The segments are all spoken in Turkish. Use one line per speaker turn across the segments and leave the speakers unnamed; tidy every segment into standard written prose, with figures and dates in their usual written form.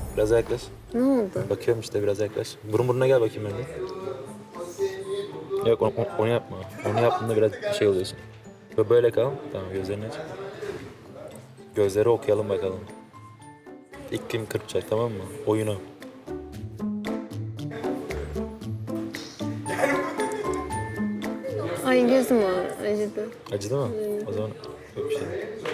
Biraz yaklaş.
Ne oldu?
Bakıyorum işte, biraz yaklaş. Burun buruna gel bakayım önce. Yok onu yapma. Onu yaptığında biraz şey oluyorsun. Böyle kal. Tamam, gözlerini aç. Gözleri okuyalım bakalım. İlk kim kırpacak, tamam mı? Oyunu.
Ay gözüm acıdı.
Acıdı mı? O zaman yok bir şey.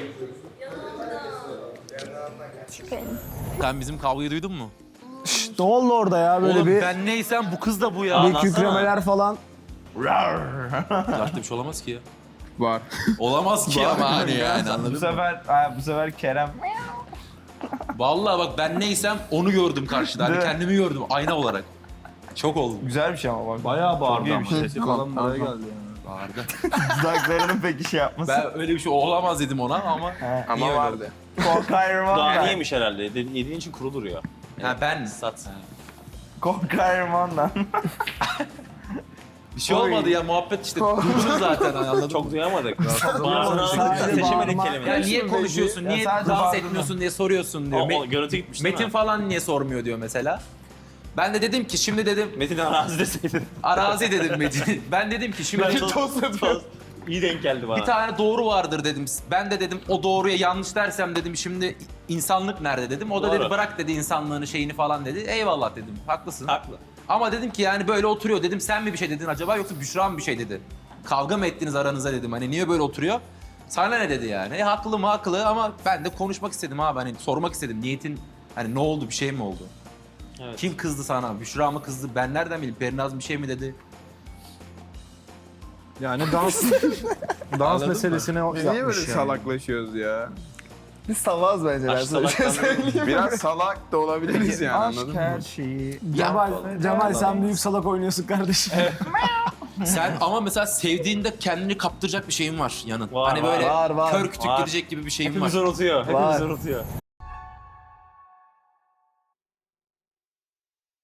Sen bizim kavgayı duydun mu?
Ne oldu orada ya böyle
Oğlum
bir
ben neysem bu kız da bu ya.
bir kükremeler falan.
Başka bir şey olamaz ki ya.
Var.
Olamaz ki ama hani yani anladın mı?
Bu sefer Kerem
Vallahi bak ben neysem onu gördüm karşıda. Hani
Değil mi?
kendimi gördüm ayna olarak. Çok oldum.
güzel bir şey ama bak.
Bayağı bağırdı ama.
Sesi
falan buraya geldi yani.
Bağırdı.
Dudaklarının peki şey yapması.
Ben öyle bir şey olamaz dedim ona ama.
Ama
öyle
vardı.
Korkarman
Daha
ben.
yemiş herhalde. Yediğin için kurulur ya.
Ha ben.
Sat.
Korkarmandan.
Bir şey olmadı ya muhabbet işte. Dursun zaten anladın mı?
Çok duyamadık.
Sadece
Bağırsan seçemedik
bağırma.
Ya
kelimeleri.
niye konuşuyorsun,
Ya
niye
sadece
dans
bağırma.
etmiyorsun diye soruyorsun diyor.
O görüntü gitmiş değil
Metin
mi?
falan niye sormuyor diyor mesela. Ben de dedim ki şimdi dedim
Metin arazi deseydin.
arazi dedim Metin. Ben dedim ki şimdi
İyi denk geldi bana.
bir tane doğru vardır dedim. Ben de dedim o doğruya yanlış dersem dedim şimdi insanlık nerede dedim. O da
Doğru.
dedi bırak dedi insanlığını şeyini falan dedi. Eyvallah dedim haklısın.
Haklı.
Ama dedim ki yani böyle oturuyor dedim sen mi bir şey dedin acaba yoksa Büşra mı bir şey dedi. Kavga mı ettiniz aranıza dedim hani niye böyle oturuyor. Sana ne dedi yani? Haklı mı haklı ama ben de konuşmak istedim abi hani sormak istedim niyetin hani ne oldu bir şey mi oldu?
Evet.
Kim kızdı sana? Büşra mı kızdı? Ben nereden bileyim? Perinaz bir şey mi dedi?
Yani dans
Anladın mı?
meselesine
Niye
yapmış
böyle
yani.
salaklaşıyoruz ya? Biz salağız bence. Ben
Aşk
sana bir şey
salaktan
söyleyeyim.
Biraz salak da olabiliriz yani
Aşk
anladın
her
mı?
şeyi.
Cemal sen büyük salak oynuyorsun kardeşim.
Sen ama mesela sevdiğinde kendini kaptıracak bir şeyin var yanın.
Var,
hani
var,
böyle
var.
kör kütük
Var.
gidecek gibi bir şeyin var.
Hepimiz unutuyor.
Var.
Hepimiz unutuyor.